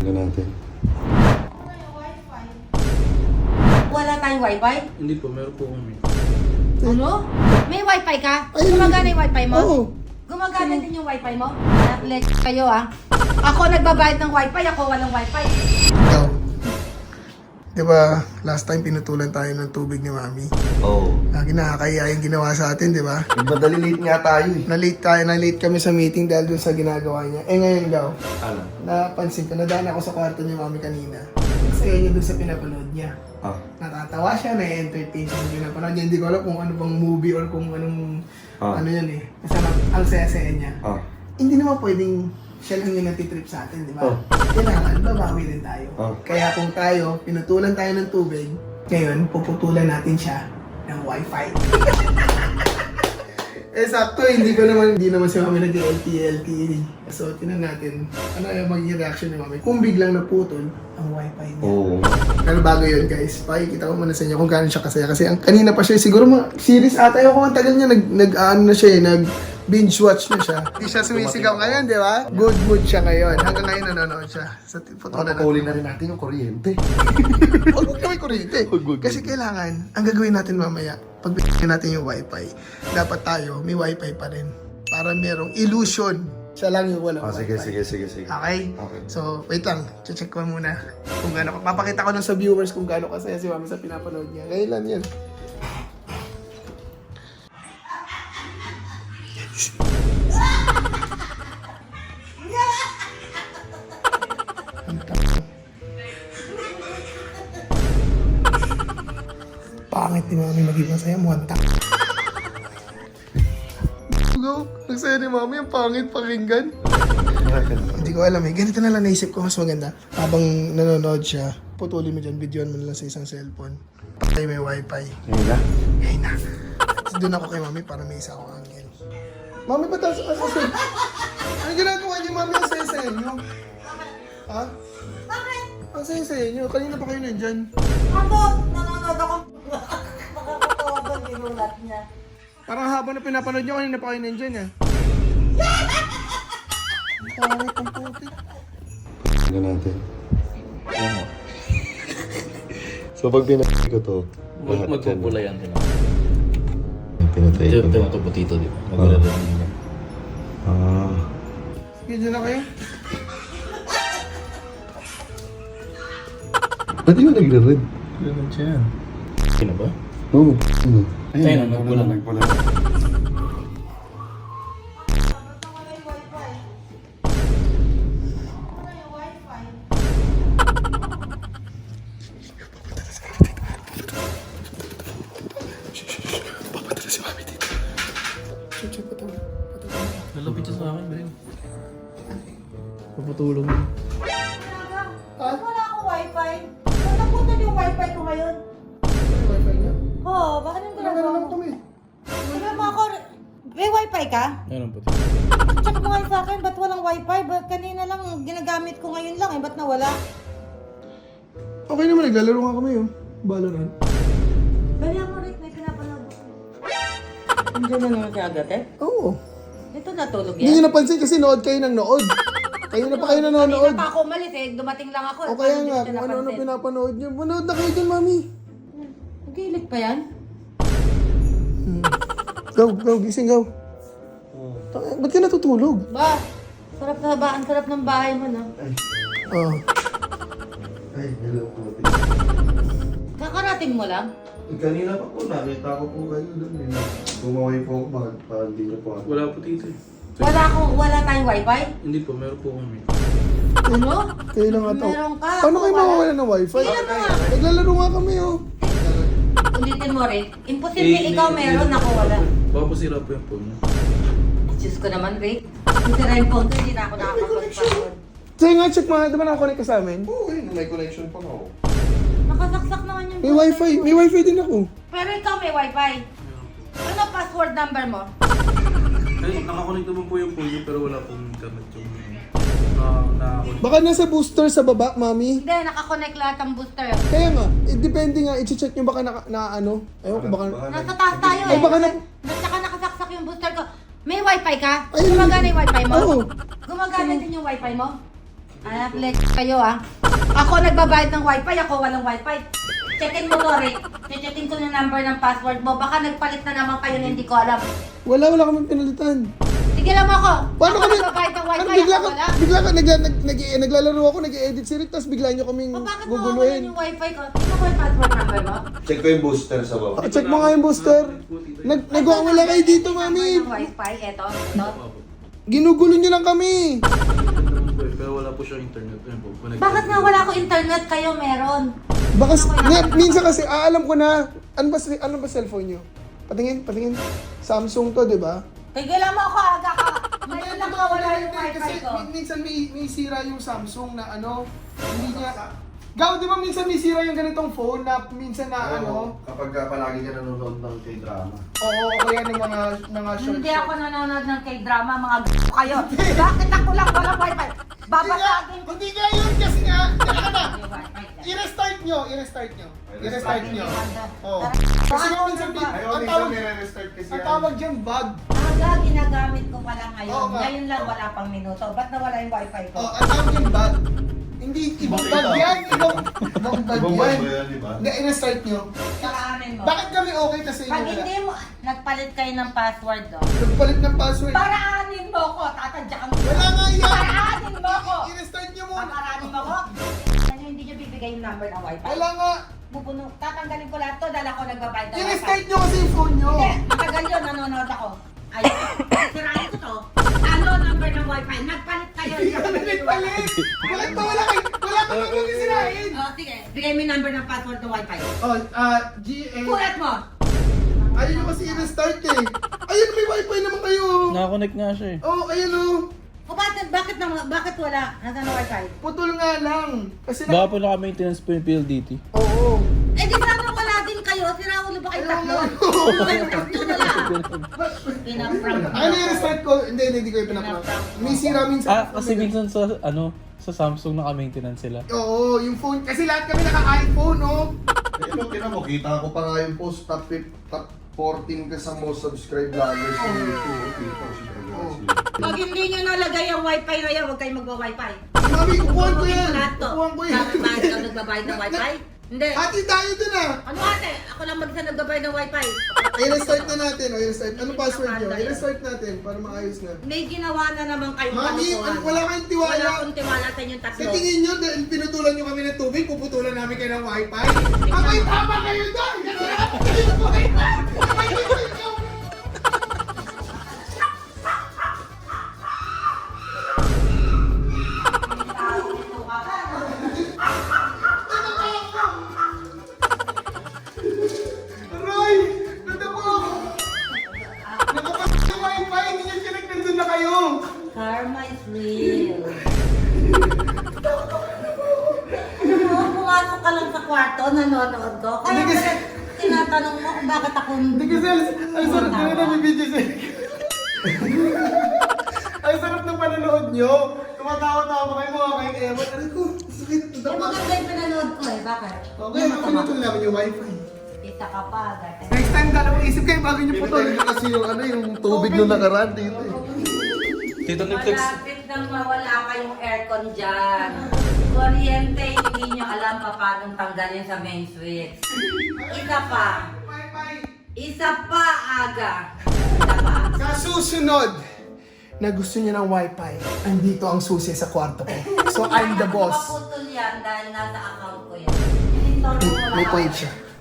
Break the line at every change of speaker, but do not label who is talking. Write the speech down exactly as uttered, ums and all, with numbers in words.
Tignan natin.
Wala tayong wifi?
Hindi po, meron po kami.
Ano? May wifi ka?
Ay,
Gumagana yung wifi mo?
Oo.
Gumagana din yung wifi mo? Naklet kayo ah. Ako nagbabayad ng wifi, ako walang wifi.
Ikaw. Di ba, last time pinutulan tayo ng tubig ni Mami.
Oo. Oh.
Lagi nakakaya yung ginawa sa atin, di ba?
Madali late nga tayo eh.
Na-late tayo, na-late kami sa meeting dahil dun sa ginagawa niya. Eh ngayon daw,
Ano?
napansin ko, nadaan ako sa kwarto ni Mami kanina. Saya niya dun sa pinapanood niya.
Ah.
Natatawa siya, na-entertain siya sa pinapanood niya. Hindi ko alam kung ano bang movie or kung anong,
Ah.
ano yan eh. Basta ang saya-saya niya.
Ah.
Hindi naman pwedeng siya lang yung natitrip sa atin, di ba?
Oh.
Kailangan, babawi din tayo.
Oh.
Kaya kung tayo, pinutulan tayo ng tubig, ngayon, puputulan natin siya ng wifi. Eh, sakto, hindi ko naman, hindi naman si Mami nag-L T E L T E. So, tinan natin, ano yung magiging reaction ni Mami kung biglang naputol ang wifi niya.
Oo.
Pero bago yun, guys, pakikita ko muna sa inyo kung gaano siya kasaya. Kasi ang kanina pa siya, siguro mga series ata yung kung ang tagal niya, nag, nag ano na siya eh, nag binge watch na siya. Hindi siya sumisigaw ngayon, di ba? Good mood siya ngayon. Hanggang ngayon nanonood siya. Sa putulan
Papakuli na rin natin yung kuryente.
Huwag mo kami kuryente. Kasi kailangan, ang gagawin natin mamaya, pag bigyan natin yung wifi, dapat tayo, may wifi pa rin. Para merong illusion. Siya lang yung walang
Ah, sige,
wifi.
sige, sige, sige.
Okay?
Okay.
So, wait lang. Check ko muna kung gaano. Papakita ko lang sa viewers kung gaano kasaya si Mami sa pinapanood niya. Ngayon lang yan. Pangit ni Mami maging masaya. Mukhang tak. Go. Nagsaya ni Mami. Ang pangit pakinggan. Hindi ko alam eh. Ganito na lang naisip ko mas maganda. Habang nanonood siya, putulin mo dyan, videoan mo na lang sa isang cellphone. Patay may wifi.
Ngayon na?
Ngayon na. Tapos doon ako kay Mami para may isa akong angel. Mami, ba't ang sasasin? Ano ginagawa niyo, Mami? Ang saya-saya niyo. Ha?
Bakit?
Ang saya-saya niyo. Kanina pa kayo nandyan.
Ako, nanonood ako. Nakakatawa ba ginulat niya?
Parang habang na pinapanood niyo, kanina pa kayo nandyan eh. Pangit ang puti.
Tignan natin. Ano? So pag pinatay ko to, lahat dyan.
Magpupula yan.
Pinatay ko.
Ito ito putito, di ba? Maglalaro din.
Ah.
Sige, dyan na kayo.
Ba't di ba nagre-red?
Ganun siya. Sino ba?
Oo.
Ayun, nagpula.
Nagpula.
Papadala si Mami dito. Check, check, patawin. Patawin.
Lalapit siya sa akin, Bren. Papatulong mo.
Talaga? Wala akong wifi. Ba't napunta yung wifi ko ngayon?
May wifi niya?
Oo, bakit yung
Wala
ginagawa
naman
mo?
kami.
Sabi mo ako, may wifi ka?
Ayun ang puti.
Check mo nga sa akin, ba't walang wifi? Ba't kanina lang ginagamit ko ngayon lang eh, ba't nawala?
Okay naman, naglalaro nga kami oh. Valorant.
Bali ako Rick, may pinapanood. Andiyan na naman siya agad eh.
Oo.
Ito natulog
Hindi
yan.
nyo napansin kasi nood kayo ng nood. Kayo na pa kayo nanonood.
Kanina pa ako umalis eh, dumating lang ako.
O kaya
Hindi
nga,
ko
kung
siya
ano-ano
napansin.
pinapanood nyo. Manood na kayo dyan, Mami.
Nagilid pa yan?
Hmm. Go, go, gising, go. Tang- Ba't ka natutulog?
Ba, sarap na ba? Ang sarap ng bahay mo na.
Oh.
Ay, hello po.
Kakarating mo lang?
Eh, kanina pa po, nakita ko po kayo doon. Eh. Bumaway po ako, bakit parang di na po ako.
Wala putito eh.
Wala akong, wala tayong wifi?
Hindi po, meron po kami.
Ano?
Kayo lang ata.
Meron ka.
Paano kayo
Wala.
mawawala ng wifi?
Tingnan mo nga.
Naglalaro nga kami oh.
Ulitin mo rin. Imposible ikaw meron, ako wala.
Baka po sira po yung phone niya.
Diyos ko naman, Rick. Yung sira yung phone ko, hindi na ako nakakapag-password.
Sige nga, check mo. Di ba nakakonect ka sa amin?
Oo, eh, may connection pa nga ako.
Nakasaksak naman yung
May
phone
wifi.
ko.
May wifi din ako.
Pero ikaw may wifi. Ano password number mo?
Ay, nakakonect naman po yung phone niya pero wala pong internet yung na nakakonect.
Baka nasa booster sa baba, Mami.
Hindi, nakakonect lahat ang booster.
Kaya nga, eh, depende nga. I-check nyo baka na, na ano. Ayun ko baka...
Nasa taas tayo
Ay,
eh.
baka na...
Tsaka nakasaksak yung booster ko. May wifi ka?
Ay,
Gumagana yung wifi mo?
Oo.
Gumagana din yung wifi mo? Ah, flex kayo ah. Ako nagbabayad ng wifi, ako walang wifi. Checkin mo to, Rick. Checkin ko yung number ng password mo. Baka nagpalit na naman kayo na hindi ko alam.
Wala, wala kami pinalitan.
Sige lang ako.
Paano
ako
kami?
nagbabayad ng wifi,
Ano, bigla
ako
ka,
wala.
bigla ka, nagla, nag, nag, naglalaro ako, nag-edit si Rick, tapos bigla nyo kaming
O bakit mo
guguluhin.
yung wifi ko? Tingnan mo yung password number mo.
Check ko yung booster sa baba.
Ah, check mo nga yung booster. Nag, nagwawala kayo dito, mami.
Number ng wifi, eto. eto.
Ginugulo nyo lang kami.
Pero wala po siyang internet. Ayun po, connected.
Bakit nga wala akong internet, kayo meron?
Baka, nga, minsan kasi, ah, alam ko na, ano ba, si- ano ba cellphone nyo? Patingin, patingin. Samsung to, di ba?
Tigilan mo ako, aga ka. Ngayon lang wala yung wifi
Kasi
ko.
min- minsan may, may sira yung Samsung na ano, hindi niya... Gaw, di ba minsan may sira yung ganitong phone na minsan na ano?
Kapag ka palagi ka nanonood ng K-drama.
Oo, o kaya ng mga, mga short
Hindi ako nanonood ng K-drama, mga g*** kayo. Bakit ako lang walang wifi? Babasagin ko.
Hindi nga yun kasi nga, teka na,
yung wifi ko.
i-restart nyo, i-restart nyo. I-restart nyo. Oo.
Tara.
Kasi nga minsan,
Ano ba?
Ayaw,
ang
minsan
tawag,
nire-restart kasi
ang
yan.
tawag dyan, bug.
Aga, ginagamit ko pa lang ngayon.
Oo nga.
Ngayon lang wala pang minuto. Ba't nawala yung wifi ko?
Oh, ang tawag dyan, bug. Hindi, ibang bug yan, ibang, ibang bug
Ibang bag
yan.
ba yan, di ba?
Hindi, i-restart nyo.
Karaanin mo.
Bakit kami okay kasi
Pag
wala?
hindi mo, nagpalit kayo ng password do.
Nagpalit ng password.
Paraanin mo ko, tatadyakan ko.
Wala nga yan.
Paraanin mo ko.
I-restart nyo muna.
Paraanin mo ko. Ano hindi nyo bibigay yung number ng wifi?
Wala nga.
Bubuno, tatanggalin ko lahat to dahil ako nagbabayad ng wifi.
I-restart nyo kasi yung phone nyo.
Hindi, matagal yun, nanonood ako. Ay, sirain ko to. Ano number ng wifi? Nagpalit kayo.
Hindi kami nagpalit. Bakit ba wala kayo? Wala ka naman sisirain.
Oh, sige. Bigay mo yung number ng password ng wifi.
Oh, ah, G A.
Kulat mo.
Ayun yung kasi i-restart eh. Ayun, may wifi naman kayo.
Nakakonect nga siya eh.
Oh, ayun oh.
O bakit, bakit, na, bakit wala? Nasaan ang wifi?
Putol nga lang. Kasi
Baka
na...
po naka-maintenance po yung P L D T.
Oo.
Eh di sana wala din kayo. Sinaulo ba kayo
Ayaw
tatlo?
nga.
Kayo tatlo wala. Pinaprank.
Ano i-restart ko? Hindi, hindi, hindi ko yung pinaprank. May sira minsan.
Ah, kasi minsan sa, ano, sa Samsung naka-maintenance sila.
Oo, yung phone. Kasi lahat kami naka-iPhone, oh.
Ito, tinan mo, kita ko pa nga yung post, top, fif- top fourteen ka sa most subscribed vloggers sa YouTube. Kita ko si
Pag hindi nyo nalagay ang wifi na yan, huwag kayo magwa-wifi.
Mami, kukuhan ko
Kukunin
yan.
ko lahat to.
Kukuhan ko yan.
Bakit ba ikaw nagbabayad ng wifi? Hindi.
Ate, tayo dun ah.
Ano ate? Ako lang mag-isa nagbabayad ng wifi.
I-restart na natin. O, i-restart. Anong password nyo? I-restart natin para maayos na.
May ginawa na naman kayong
Mami,
kalokohan.
wala kayong tiwala.
Wala akong tiwala sa inyong tatlo.
Sa tingin nyo, dahil pinutulan nyo kami ng tubig, puputulan namin kayo ng wifi? Abay, tama kayo doon! Kasi natin kayo ng wifi! Abay, wifi ko! Roy! Nadako ako! Nakapasok sa wifi, hindi nyo connect, nandun na kayo!
Karma is real. Ano mo, pumasok ka lang sa kwarto, nanonood ko. Kaya
Hindi kasi-
pala tinatanong mo kung bakit ako
Hindi kasi, ang sarap na rin ang video sa Ang sarap ng panonood nyo. Tumatawa-tawa kayo mga kayong ewan. Ano ko? Sakit.
Eh,
Dapat.
maganda yung pinanood ko eh. Bakit?
Okay, ano pinutol namin yung wifi.
Kita ka pa agad.
Next time, dalawang isip kayo bago nyo putol.
Pinatay nyo kasi yung ano, yung tubig nung nakaraan dito eh.
Tito Niptex,
Malapit nang mawala kayong aircon dyan. Kuryente, hindi nyo alam pa paano tanggalin sa main switch. Isa pa.
Wifi.
Isa pa, aga. Isa pa.
Sa susunod, na gusto nyo ng wifi, andito ang susi sa kwarto ko. So, I'm the boss.
Maputol yan dahil nasa account ko yan.
May, may point siya.